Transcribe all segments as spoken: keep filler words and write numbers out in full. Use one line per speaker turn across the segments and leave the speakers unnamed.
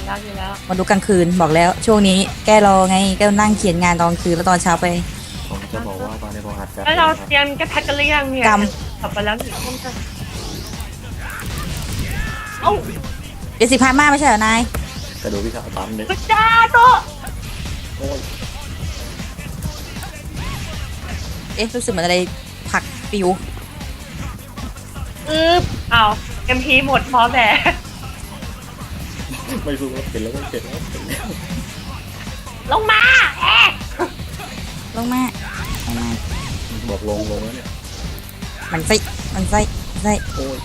แล้วอยู่แล้ว
มาดูกลางคืนบอกแล้วช่วงนี้แกรอไงก็นั่งเขียนงานตอนกลางคืนแล้วตอนเช้าไป
ผมจะบอกว่าตอนนี้ผมอัดการ์
แล้วเรา
ด
เตรียมกระแพกกันหรือยังเนี่ยกลับไปแล้วหนึ่งทุ่มจะเอ้า
เจ็ดสิบพันมากไม่ใช่เหรอนาย
กระดูกพี่ขาวตันเลย
พุจ้าโต
โอ้ย
เอ๊ะรู้สึกเหมือนอะไรผักปิว
อึ๊บอ้าวเอ็มพีหมดพอแต่
ไม่รู้ว่าเป็นแล้วก็เป็นแล้วเป็นแล้ว
ลงมาเอ๊ะ
ลงมาลงมา
บอกลงลงแล้วเนี่ย
มันไส้มันไส้ไส้
โอ้ย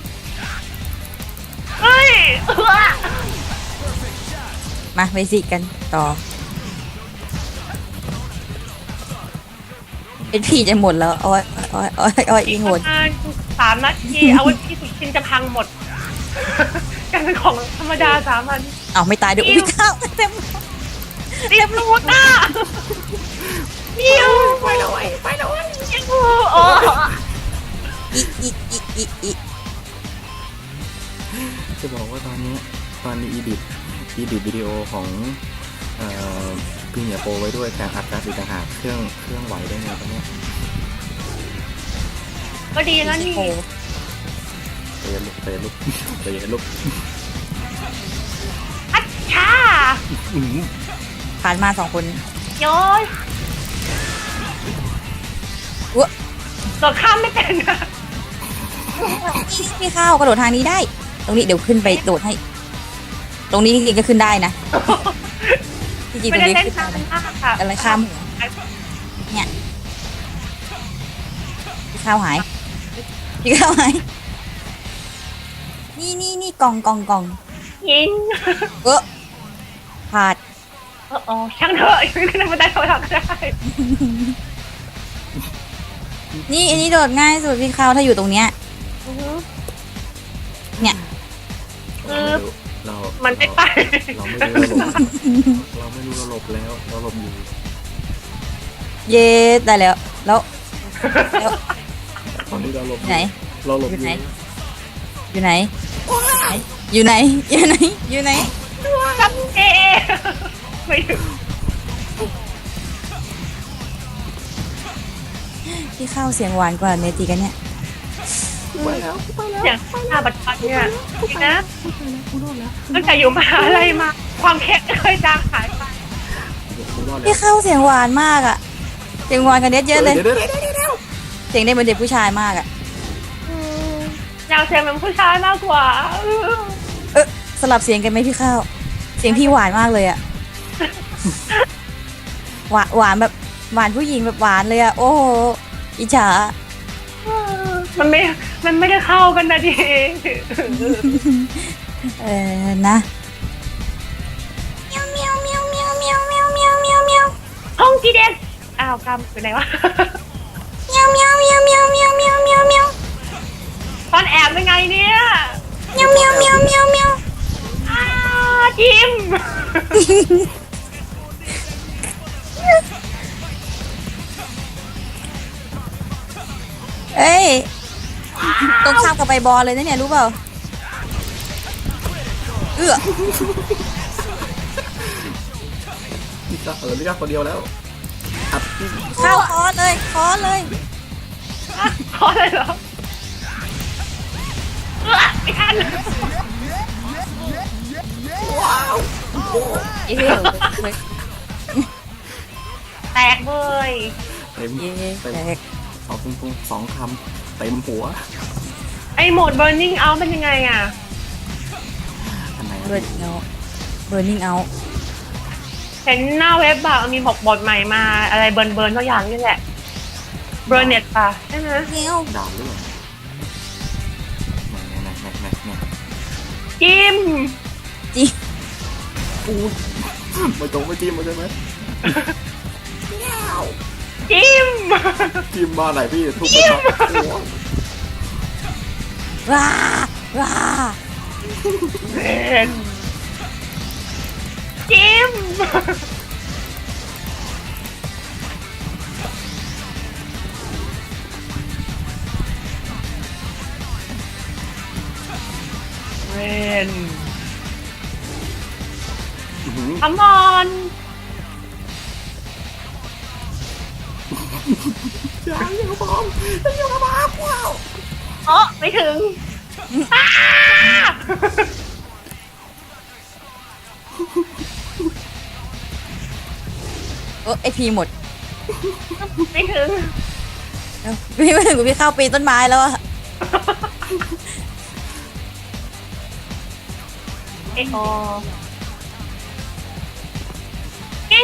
เฮ้ย
มาไปสิกันต่อเป็นพี่จะหมดแล้วอ้อยอ้อยอ้อยอ้อยอีกหมด
สามนาทีเอาที่สุดชินจะพังหมดกันเป็นของธรรมดาสามัญ
เอาไม่ตายด้วยอุ้ยข้าวเต็ม
เต็มรูดอ่ะยิ้วไปเลยไปเลยยิ้วโอ้
อีอีอีอีอี
จะบอกว่าตอนนี้ตอนนี้อีดิทอีดิทวิดีโอของเอ่อพี่เหนียโปไว้ด้วยแต่อัดการ์ดอีกต่างหากเครื่องเครื่องไหวได้ไงตอนนี้
ก็ดีแล้วนี่
เตะลุกเตะลุกเตะลุก
อัดช้า
ผ่านมาสองคน
โยน
วะ
ตัวข้ามไม่เป็นนะ
พี่ข้าวกระโดดทางนี้ได้ตรงนี้เดี๋ยวขึ้นไปโดดให้ตรงนี้จริงๆก็ขึ้นได้นะจริงๆตรงนี้ขึ้นได้อะไรข้ามเนี่ยพี่ข้าวหายพี่ข้าวหายนี่นี่นี่กล่องกล่องกล่อง
ยิง
เออพลาด
อ๋อช่างเถอะขึ้นมาได้เท่าไหร่ก็ได้
นี่อันนี้โดดง่ายสุดพี่ข้าวถ้าอยู่ตรงเนี้ยเนี่ย
เรา
มันไม่ไป
เราไม่รู้ระบบเราไม่รู้ระบบแล้วเราหลบอยู่
เย้ได้แล้วแล้วแล้ว
ตอนนี้เราหลบ
ไหน
เราหลบอยู่
อยู่ไหนอยู่ไหนอยู่ไหนอยู่ไหน
จับเอไม่ถึง
พี่ข้าวเสียงหวานกว่าเนตีกันเนี่ย
ไปแล้วไปแล้ว
อย่างหน้าบัตรเนี่ยจริงนะตั้งแต่อยู่มหาลัยมาความแข็งเคยจางหายไป
พี่ข้าวเสียงหวานมากอ่ะเสียงหวานกันเด็ดเยอะเลยเสียงได้เหมือนเด็กผู้ชายมากอ่ะ
อยากเสียงเหมือนผู้ชายมากกว่า
เออสลับเสียงกันไหมพี่ข้าวเสียงพี่หวานมากเลยอ่ะหวานหวานแบบหวานผู้หญิงแบบหวานเลยอ่ะโอ้โหอิจฉา
มันไม่มันไม่ได้เข้ากันนะที
เออนะเมียวเมียวเมียวเมียวเมียวเมียวเมียวเมียวเมียว
ห้องจีเดนอ้าวกำอยู่ไหนวะ
เมียวเมียวเมียวเมียวเมียวเมียวเมียวเมียว
ตอนแอบเป็นไงเนี่ย
เมียวเมียวเมียวเมียวเมียว
อ้าจิม
เอ้ยต้องข้ามกับไปบอลเลยนะเนี่ยรู้เปล่าเอื้อ
พี่ก็เออพี่ก็คนเดียวแล้วอัด
เข้าคอเลยคอเลย
คอเลยเหรอเอื้อไม่ทัน
ว้าว
เย้
แตกเลย
เต็มเต็มสองปุ้งสองคำเต็มหัว
ไอโหมด burning out เป็นยังไงอ่ะ
เบิร์นเอาเบิร์นนิ่งเอา
เห็นหน้าเว็บแบบมีบอกบทใหม่มาอะไรเบิร์นเบิร์นทุกอย่างนี่แหละเบิร์นเน็ตป่ะใช่ไหม
เงี้ยว
ด่าหรือเปล่าแน่แน่แน่แน่
จิ้ม
จิ้ม
ปูไม่ตรงไม่จิ้มมาใช่ไหม
จิ้ม
จิ้มมาไหนพี่ทุบไปครับ
ว้าว้า
เล่นจิ้มเล่น
หือ
คำมอน
อย่าอย่าบอมอย่าบอมว้าว
เออไม่ถึงอ้า
เออไอพีหมด
ไม่ถึง
เอ้าพี่ไม่ถึงกูพี่เข้าปีนต้นไม้แล้วอะ
ไอโอกิ้ง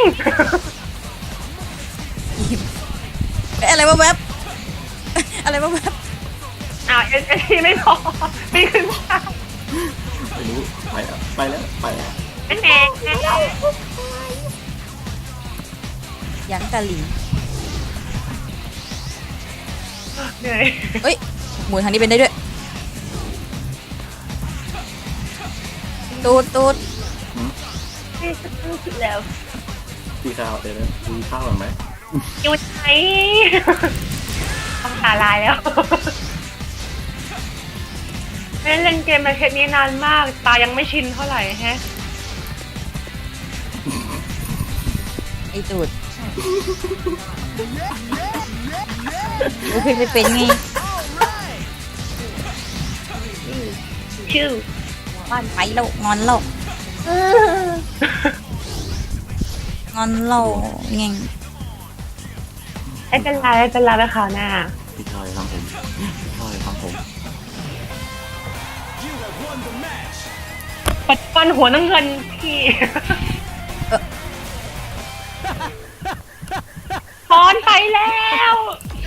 เอ้ยอะไรวะแวบ อะไรวะแวบ
อ้าวเอ็นเอ็นทีไม่พอไม่ขึ้นมา
ไม่รู้ไปแล้วไปแล้วไปแล้ว
เป็นแหง
ยังกะหลิง
เหนื่อย
เอ้ยหมุนทางนี้เป็นได้ด้วยตูดตูด
ไม่ขึ้นแล้ว
พี่ข้าวเดี๋ยวนะดูข้าวก่อนไหม
อยู่ไหนต้องตาลายแล้วไม่ได้เล่นเกมมาเทปนี้นานมาก ตายังไม่ชินเท่าไหร่แฮะ
ไอตูดโอเคไม่เป็นไง
ชื่อ
บ้านไปแล้วงอนแล้วงอนเราไง
ไม่เป็นไรไม่เป็นไรไปข่าวหน้า
พี่ข้าวจะทำผมพี่ข้าวจะทำผม
ปัดฟันหัวน้ำเงินพี่ถอนไปแล้ว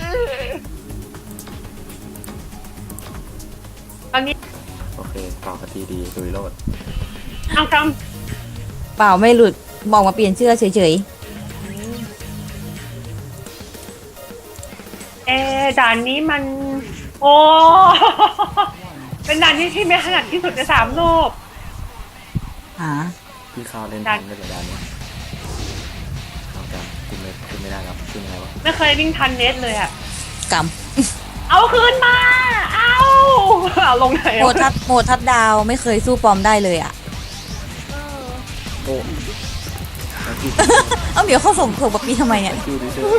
ตอนนี้
โอเคต่อกันทีดีสุยโรด
เอาค
เปล่าไม่หลุดบอกมาเปลี่ยนเสื้อเฉย
ำเออด่านนี้มัน โอ้ เป็นด่านที่ที่ไม่ถนัดที่สุดในสามโลก
ๆหา
พี่ข้าวเล่น
ดั
ทั
น
นได้ระยะนี้ข้าวจำขึ้นไม่ขึ้นไม่ได้ครับขึ้นยังไงวะ
ไม่เคยวิ่งทันเน็ตเลยอะ
ก
เอาคืนมา เอาเอาลงไหน
ำโหมดทัดโหมดทัดดาวไม่เคยสู้ปอมได้เลยอ่ะ
โอ้แล้วพี่
เอ้าเดี๋ยวเขาส่งส่งปะปีทำไมเนี่ย
คิวดิเซอร์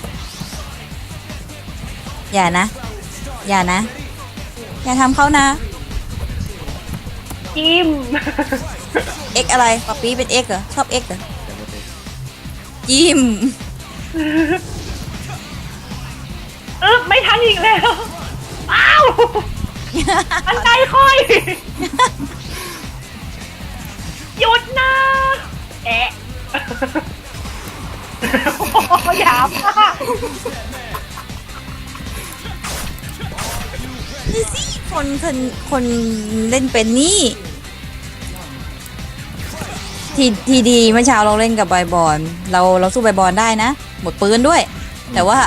อย่านะ อย่านะ อย่าทำเขานะ
จิ้ม
เอ็กอะไรปะปีเป็นเอ็กเหรอชอบเอ็กเหรอ
ยังไม่เป็น
จิ้ม
เออไม่ทันอีกแล้ว อ้าวอันใดค่อย หยุดนะแอะโอ้โหหยาบมาก
นี่สิคนคนคนเล่นเป็นนี่ทีทีดีเมื่อเช้าเราเล่นกับใบบอลเราเราสู้ใบบอลได้นะ หมดปืนด้วย แต่ว่า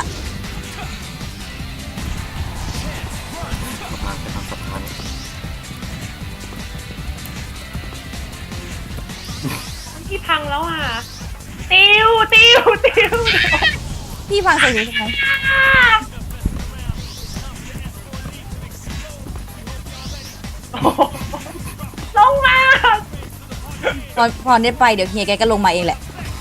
สะพานไปทำสะพาน
ที่พังแล้วอ่ะ ติวติวติว
พี่ฟังใส่หูทำไม
โอ้โหลงมา
พอพอได้ไปเดี๋ยวเฮียแกก็ลงมาเองแหละ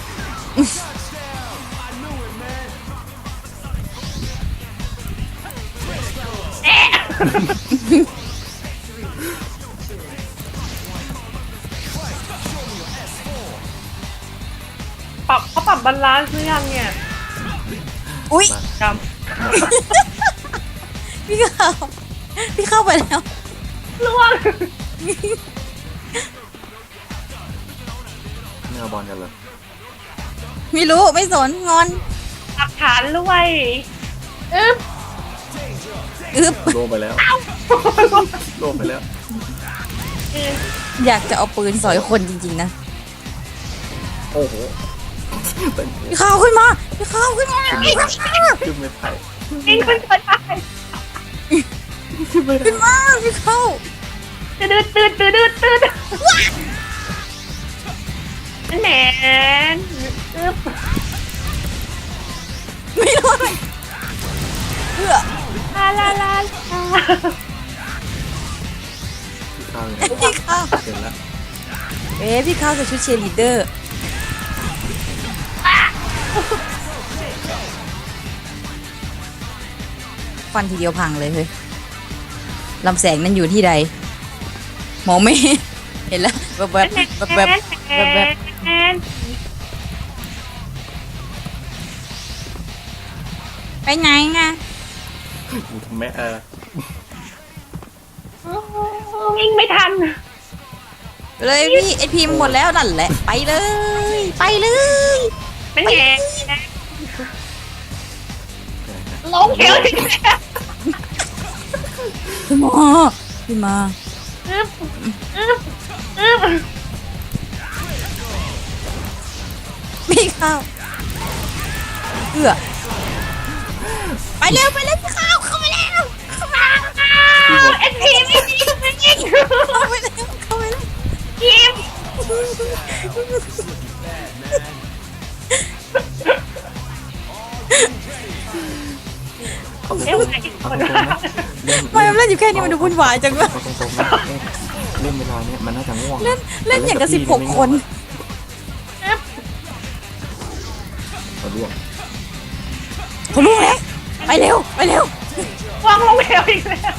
แอะปรับเขาปรับบาลานซ์หรือยังเนี่ย
อุ้ย
จ
พี่เข้าพี่เข้าไปแล้ว
ำล่วง
ไม่เอาบอลกันเลย
ไม่รู้ไม่สนงอน
หลักฐานด้วยอึ๊บ
อึบ
โลไปแล้วโลไปแล้ว
อึ๊บ
อยากจะเอาปืนสอยคนจริงๆนะ
โอ้โหเป็น
พี่เข้าขึ้นมาพี่เข้าขึ้นมา
ขึ้นไม่ไป
ยิงขึ้นไปได้
ขึ้นไม่ได้
ขึ้นมาพี่เข้า
ตืดตืดตืดตืดตืดแหนนอึ๊บ
ไม่รู้เลยเพื่อ
ลาลาลาลา
พี่ข้าวอยู่ไหน
พี่เข้า
เห็นแล้ว
เอ๊ะพี่เข้าใส่ชุดเชียร์ลีดเดอร์ฟันทีเดียวพังเลยเฮ้ยลำแสงนั้นอยู่ที่ใดมองไม่เห็นเห็นแล้วแบบแบบแบบแบบแบบแบบไปไหนไง
อยู่ทำแม่เออ
วิ่งไม่ทัน
เลยพี่ไอพีมหมดแล้วนั่นแหละไปเลย ไปเลย
เป็นไงลงเหวอีกแล้ว
พี่หมอพี่มา
อึ๊บอึ๊บอึ๊บ
พี่เข้าเอื้อไปเร็วไปเร็วพี่เข้าเข้าไปแล้วเข้ามา
เอ็นพีไม่ยิงไม่ยิง
เข้าไปแล้วเข้าไปแล้ว
ยิง
เอาตรง
เอ้ย
ๆ
ไหน
เอา
คน
ตรงๆนะเล่น
ไม่เล่นอยู่แค่นี้มันดูวุ่นวายจังเลย
เอาตรงๆนะเล่นเล่นเวลาเนี้ยมันน่าจะง่วง
เล่นเล่นอย่างกับสิบหกคน
เอาล่วง
เขารู้แล้วไปเร็วไปเร็ว
วางลงเหวอีกแล้ว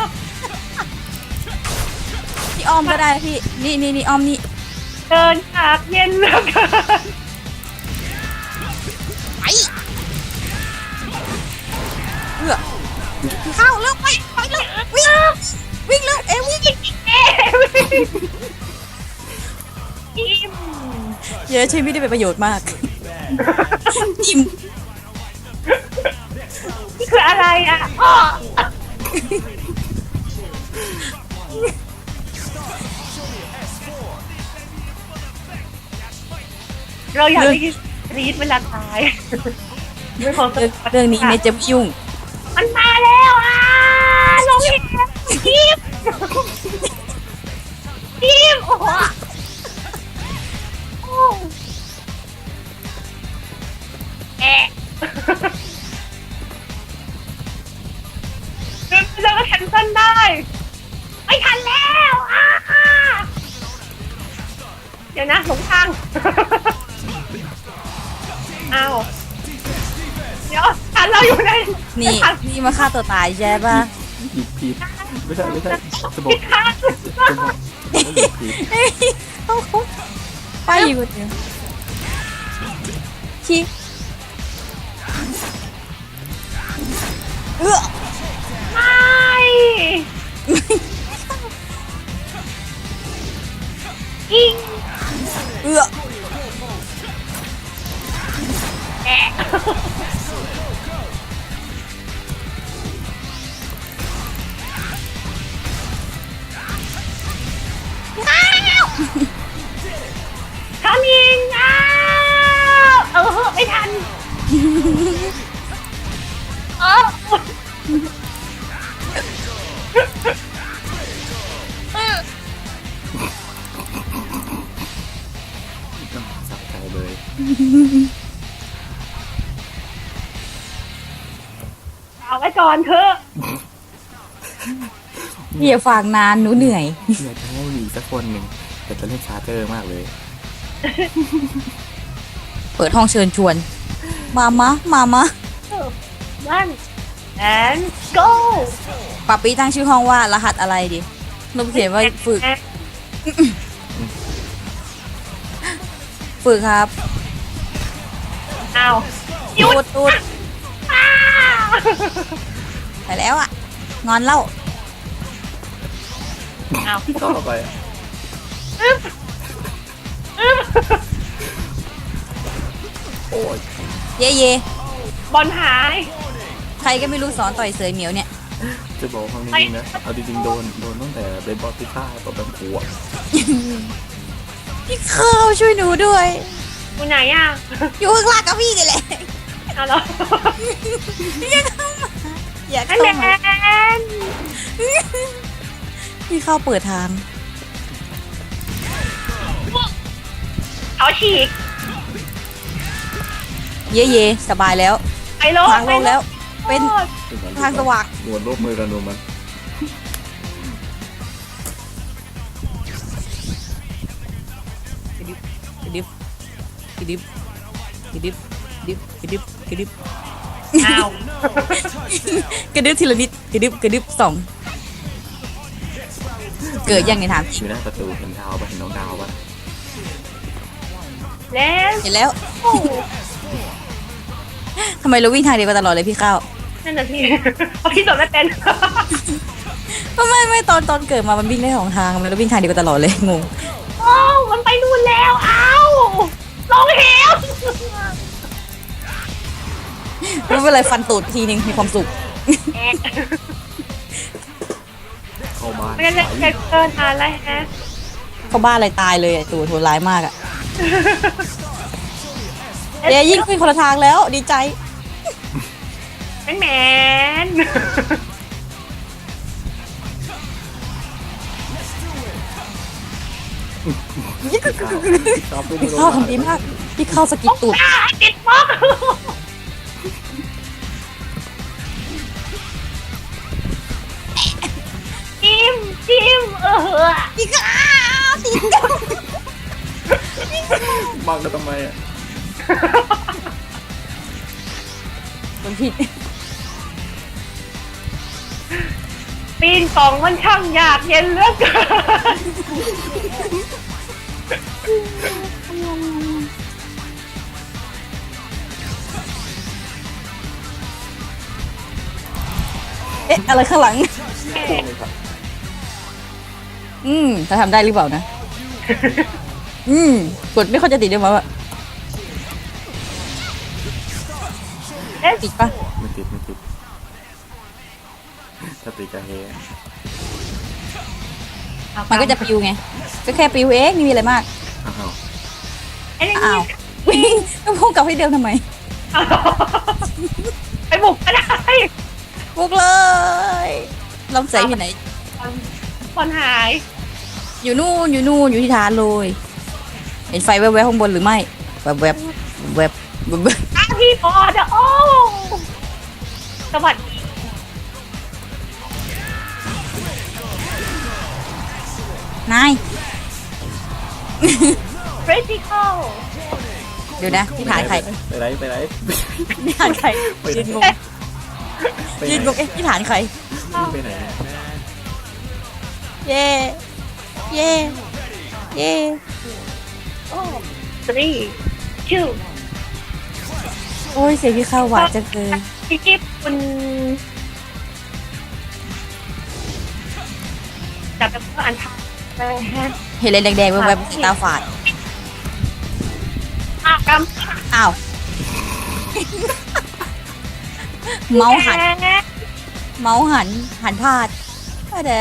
พี่อ้อมก็ได้นะพี่นี่นี่นี่อ้อมนี่
เดินฉากเย็นเหลือเกิน
ไปเอื้อพี่เข้าเร็วไปไปเร็ววิ่งวิ่งเร็วเอ้วิ่ง
เอ๊ะยิ้ม
เยอะใช้ไม่ได้เป็นประโยชน์มากอิ่ม
นี่คืออะไรอ่ะอ้อเราอยากได้ยินรีดเวลาตายไม่พอ
เรื่องเรื่องนี้เมย์จะไม่ยุ่ง
มันมาแล้วอ่ะลงอีกแล้วยิ้มยิ้มโอ้โหโอ้แอะแล้วก็แคนเซิลได้ ไม่ทันแล้วอ่ะเดี๋ยวนะหลงทาง อ้าวเดี๋ยวทันเราอยู่ใน
นี่นี่มาฆ่าตัวตายใช่ป่ะ
หยิบผิดไม่ใช่ไม่ใช่จะบอก
ผิดค่ะ
จะบอกว่าหยิบผิด
เฮ้ยเขาเขาไปอยู่คนเดียวชี้เอื้อ
ไม่ยิง
เอื้อ
แอะทำยิงอ้าวเออไม่ทันเออ
สะใจเลย
เอาไว้ก่อนเถอะ
อย่าฝากนานหนูเหนื่อย
อยากจะให้มีสักคนหนึ่งแต่จะเล่นชาร์เจอร์มากเลย
เปิดห้องเชิญชวน มามะมามะ
one and go
ปาปีตั้งชื่อห้องว่ารหัสอะไรดินบเขียนว่าฝึก ฝึกครับ
อ้าวห
ตู
ยุด
ดตูด
อ้าว
ไปแล้วอ่ะ งอนเล่า
อ้าว
ต่อไปอะ
อึ๊บอึ๊บ
โอ้ย
เย่เย่
บอลหาย
ใครก็ไม่รู้สอนต่อยเสือเหมียวเนี่ย
จะบอกความจริงๆนะเอาจริงๆโดนโดนตั้งแต่เบสบอลพิฆาตตบแบบขวบ
พี่ข้าวช่วยหนูด้วย
อยู่ไหนอ่ะ
อยู่ข้างล่างกับพี่นี่แหละ
เอาแล้ว
อย่าเข้ามาอย่า
อั
เข้าน
แม
มาน พี่เข้าเปิดทาง
เขาฉีก
เย่เย่สบายแล้ว
ไปโล
ทางลงแล้ว เป็น ทางสว่าง
ดวลร่วมมือกันดูมัน
กระดิบกระดิบกระดิบกระดิบกระดิบกระดิบ
อ้าว
กระดิบทีละนิดกระดิบกระดิบสองเกิดยังไงถามจ
อ
ริง
ยู่หน้าประตูเห็นดาวปะเห็นน้องดาวปะ
แล้ว
เห็นแล้วทำไมเราวิ่งทางเดียวกันตลอดเลยพี่ข้าว
นั่นน่ะพี่เพราะพี่สอนไม่เป็น
ไม่ไม่ตอนตอนเกิดมามันวิ่งได้สองทางมันเราวิ่งทางเดียวกันตลอดเลยงง
โอ้มันไปนู่นแล้วอ้าวลงเหว
ไม่เป็นไรฟันตูดทีนึงมีความสุข
แอก
เข้าบ้าน
ไม่ได้เล่นเกินเกินอะไรฮะ
เขาบ้าอะไรตายเลยอะตัวโหดร้ายมากอะเดี๋ยวยิ่งขึ้นคนละทางแล้วดีใจ
แมนแมน
ชอบไปดู
พี่
โร
เข้าง
พยาบาล
ทำดีมากพี่เข้าสกิดตูด
อ้าติดบล็อกจิ้มจิ้มเออ
พี่ข้าวติดกัน
บังกันทำไมอ่ะ
มันผิด
ปีนกล่องมันช่างยากเย็นเหลือเกิน
เอ๊ะอะไรข้างหลัง
โค้งเลยครับ
อืมจะทำได้หรือเปล่านะ อืมกดไม่ค่อยจะติดด้วยมั้งอะ
เอ๊ะ
ติดปะ
ไม่ติดไม่ติดถ้าติดจะเฮ
มันก็จะปิวไงก็แค่ปิวเองไม่มีอะไรมาก
อ้าว
ไอ้นี่
อ้าววิ่งต้องพุ่งกลับให้เดิมทำไม
ไปบุกก็ได้
บุกเลยลำใส่ที่ไหน
คนหาย
อยู่นู่นอยู่นู่นอยู่ที่ฐานเลยเห็นไฟแวบๆข้างบนหรือไม่แวบๆแวบๆแวบๆแวบ
อ้าวพี่บอดอะโอ้สวัสดี
นาย
เฟรดิคอล
เดี๋ยวนะที่ฐานใคร
ไปไหนไปไหน
ที่ฐานใครยืนงง
ไป
ยืน
ไห
ง
น
งเอ๊ะที่ฐานใคร
ไปไหน
เย่เย่เย่
โอ้ three two
โอ้ยเสียงพี่เข้าหวานจังเลย
พี่กิ๊บคุณจับเป็นเพื่ออันทันเลยฮะ
เห็นอะไรแดงๆแวบๆตาฝาด
อากรรม
อ้าว เมาส์หัน เมาส์หัน หันพลาดอะไร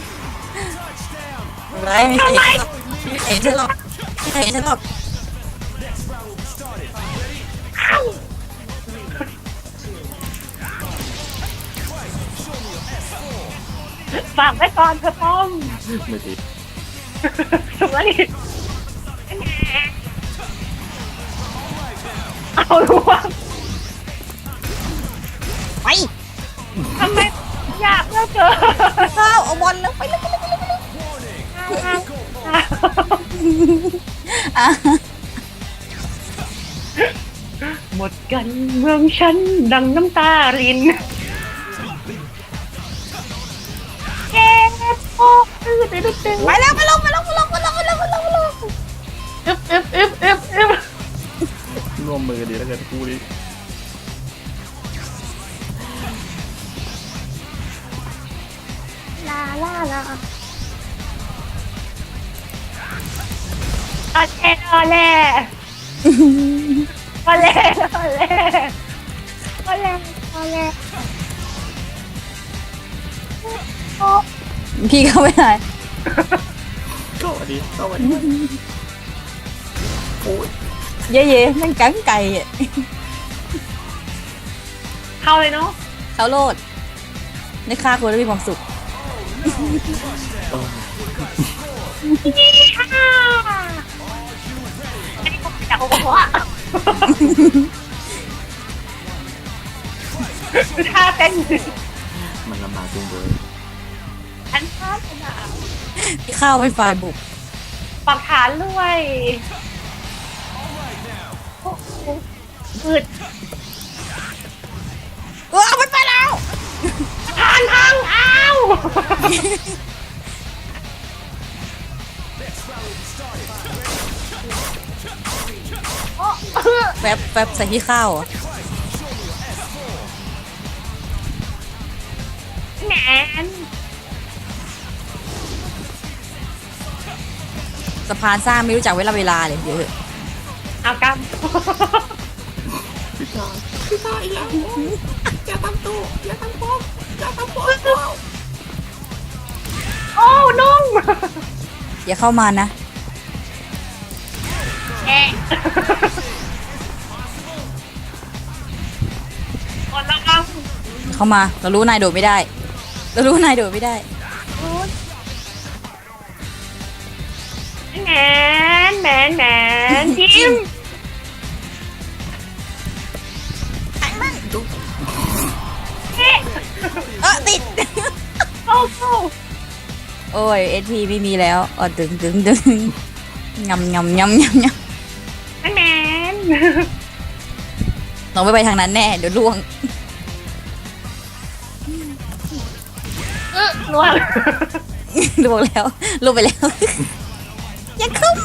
ไรไม่เห็นไม่เห็นฉันหรอกไม่เห็นฉันหรอก
ฝากไว้ก่อนเธอป้อม
ไม่ติด
ถูกแล้วนี่เอาลูก
ไป
ทำไมอยากเหลือเกิน
ข้าวเอาบอลแล้วไปเลยไปเลยไปเลยไปเลยอ่ะ
หมดกันเมืองฉันดังน้ำตารินเจ็บโอ้ตื้อตื้อตื้อ
ไปแล้วไปลงไปลงไปลงไปลงไปลงไปลงไปลง
อึบอึบอึบอึบอึบ
ร่วมมือดีแล้วกันคู่นี้
ลาลาลาตอนแรกตอนแรกตอนแรกตอนแรกตอนแรกตอนแรกโอ้
พี่เข้าไม่ได้
เข้ามาดีเข้ามาดีโอ้ย
เย่เย่นั่งกังไก่อะ
เข้าเลยเนาะ
เขาโลดในค่าคนแล้วมีความสุข
เออ
นี่ค่ะอันนี้ผมอยากบอกว่าท่าเต้น
มันลำบากจริงเลย
อันท่าขนาด
พี่ข้าวเป็นฝ่ายบุก
ไฟปักฐานด้วยโอ้โหอืด
เออเอามันไปแล้ว
ทานพังอ้าว
แฟบแฟบใส่ที่ข้าวเหรอ
แหน
สะพานสร้างไม่รู้จักเวลาเวลาเลยเดี๋ยวเถอะ
เอาก
พี่ชายพี่ชายอย่าอย่าทำตู้อย่าทำผมอย่าทำผม
ำโอ้นุ่ม
อย่าเข้ามานะ
แอะกดระวัง
อย่าเข้ามาเรารู้นายโดดไม่ได้ เรารู้นายโดดไม่ได้
แหนแหนแหนทิม เอ๊ะ
เออติด
เข้าเข้า
โอ้ยเอสพีไม่มีแล้วอ๋อดึงดึงดึงงำงำงำงำง
แหน
ำเราไม่ไปทางนั้นแน่เดี๋ยวล่วง
เออล่วง
ล่วงแล้วล่วงไปแล้ว อย่าเข้ามา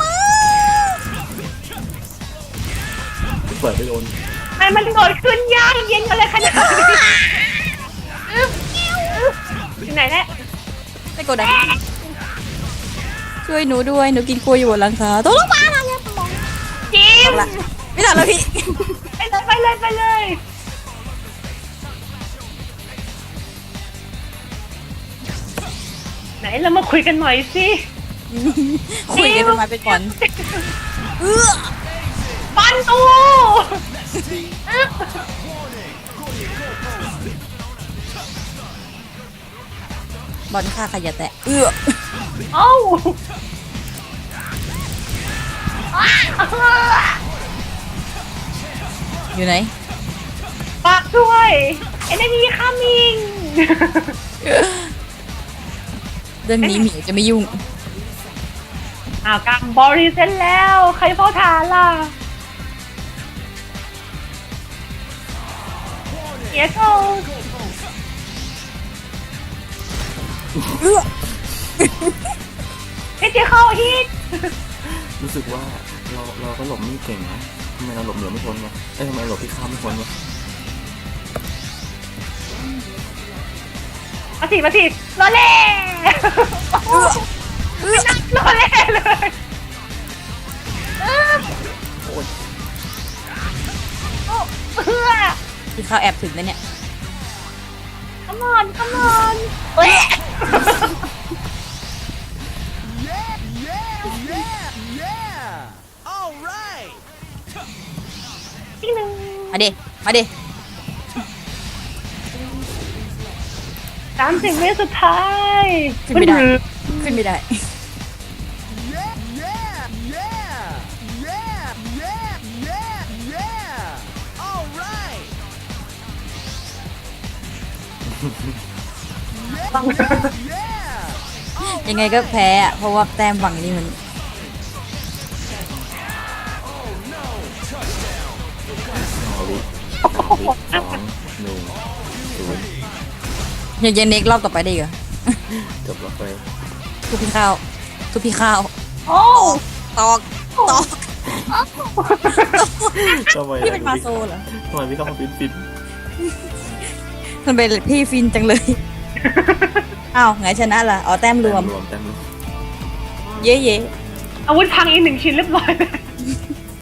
เปิดไปโดน
มันมันโดดขึ้นยากเย็นกันเลยขนาดนี้อึ๊บอึ๊บอยู่ไหนเนี่ย
ไม่กดดันช่วยหนูด้วยหนูกินกล้วยอยู่บนหลังคาต้องลงมาแล้วเนี่ย
จิม
ละไม่ทันแล้วพี่
ไปเลยไปเลยไปเลยไหนเรามาคุยกันหน่อยสิ
คุยกันเป็นไม้เป็นก่อนเออ
ปันตูอึ๊บบ
อลฆ่าขยะแตะเออ
เอ้าอ้า
อยู่ไหน
ฝากด้วยเอ็นดีคัมมิง
เรื่องนี้หมิวจะไม่ยุ่ง
อ้าวกำบอรีเซ็นแล้ว ใครเฝ้าฐานล่ะเฮียโก
เออ
เฮ้ยเจ๊เข้าฮิต
รู้สึกว่าเราเราก็หลบไม่เก่งนะทำไมเราหลบเหนือไม่พ้นวะเอ้ยทำไมหลบพี่ข้ามไม่พ้นวะ
มาสิมาสิรอเล่ไม่นักรอเล่เลยอึ๊บ
โอ้ย
โอ้เพื่อ
ที่เขาแอบถึงนะเนี่ย
come on come on เฮ้ย อีกหนึ่ง
มาดิมาดิ
สามสิบวิสุดท้าย
ขึ้นไม่ได้ขึ้นไม่ได้ ยังไงก็แพ้อะเพราะว่าแต้มฝั่งนี้มัน
เอาวิสามวิสองหนึ่งศูนย์
ยังยังเน็กรอบต่อไปได้อีกเหรอ
จบแล้วไป
ทุกพี่ข้าวทุกพี่ข้าว
โอ้
ตอกตอก
ทำไม
พี่เป็นมาโซเหรอ
ทำไมพี่เข้ามาฟินฟิน
มันเป็นพี่ฟินจังเลย อ้าวไงชนะล่ะอ๋อแต้มรวม
รวมแต้มรวม
เย้เย้
อาวุธพังอีกหนึ่งชิ้นเรียบร้อยเลย